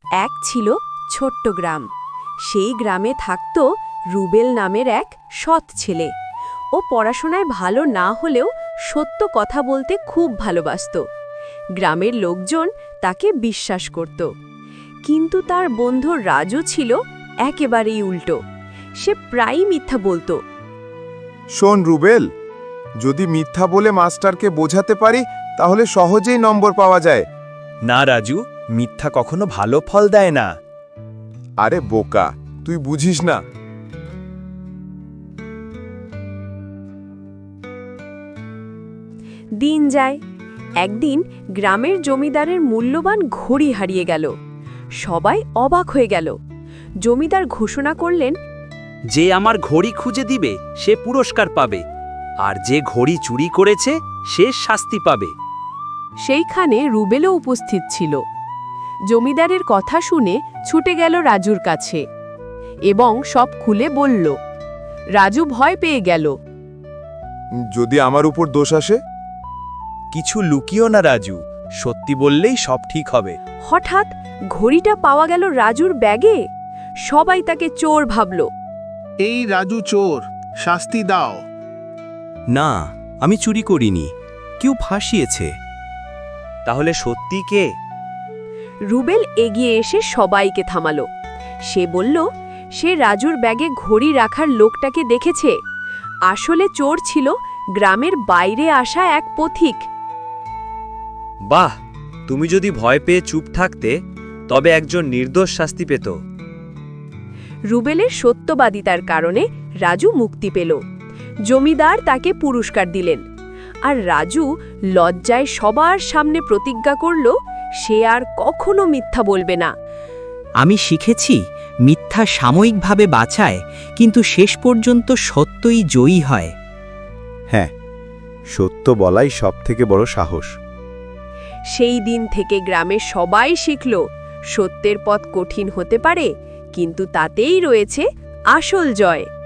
এক ছিল ছোট্ট গ্রাম। সেই গ্রামে থাকত রুবেল নামের এক সৎ ছেলে। ও পড়াশোনায় ভালো না হলেও সত্য কথা বলতে খুব ভালোবাসত। গ্রামের লোকজন তাকে বিশ্বাস করত। কিন্তু তার বন্ধু রাজু ছিল একেবারেই উল্টো। সে প্রায়ই মিথ্যা বলতো। শোন রুবেল, যদি মিথ্যা বলে মাস্টারকে বোঝাতে পারি তাহলে সহজেই নম্বর পাওয়া যায়। না রাজু, মিথ্যা কখনো ভালো ফল দেয় না। আরে বোকা, তুই বুঝিস না। দিন যায়। একদিন গ্রামের জমিদারের মূল্যবান ঘড়ি হারিয়ে গেল। সবাই অবাক হয়ে গেল। জমিদার ঘোষণা করলেন, যে আমার ঘড়ি খুঁজে দিবে সে পুরস্কার পাবে, আর যে ঘড়ি চুরি করেছে সে শাস্তি পাবে। সেইখানে রুবেলও উপস্থিত ছিল। জমিদারের কথা শুনে ছুটে গেল রাজুর কাছে এবং সব খুলে বলল। রাজু ভয় পেয়ে গেল। যদি আমার উপর দোষ আসে? কিছু লুকিও না রাজু, সত্যি বললেই সব ঠিক হবে। হঠাৎ ঘড়িটা পাওয়া গেল রাজুর ব্যাগে। সবাই তাকে চোর ভাবল। এই রাজু চোর, শাস্তি দাও। না, আমি চুরি করিনি, কেউ ফাঁসিয়েছে। তাহলে সত্যি কে? রুবেল এগিয়ে এসে সবাইকে থামালো। সে বলল, সে রাজুর ব্যাগে ঘড়ি রাখার লোকটাকে দেখেছে। আসলে চোর ছিল গ্রামের বাইরে আসা এক পথিক। বাহ, তুমি যদি ভয় পেয়ে চুপ থাকতে তবে একজন নির্দোষ শাস্তি পেত। রুবেলের সত্যবাদিতার কারণে রাজু মুক্তি পেল। জমিদার তাকে পুরস্কার দিলেন। আর রাজু লজ্জায় সবার সামনে প্রতিজ্ঞা করল, সে আর কখনো মিথ্যা বলবে না। আমি শিখেছি, মিথ্যা সাময়িকভাবে বাঁচায়, কিন্তু শেষ পর্যন্ত সত্যই জয়ী হয়। হ্যাঁ, সত্য বলাই সবথেকে বড় সাহস। সেই দিন থেকে গ্রামের সবাই শিখল, সত্যের পথ কঠিন হতে পারে, কিন্তু তাতেই রয়েছে আসল জয়।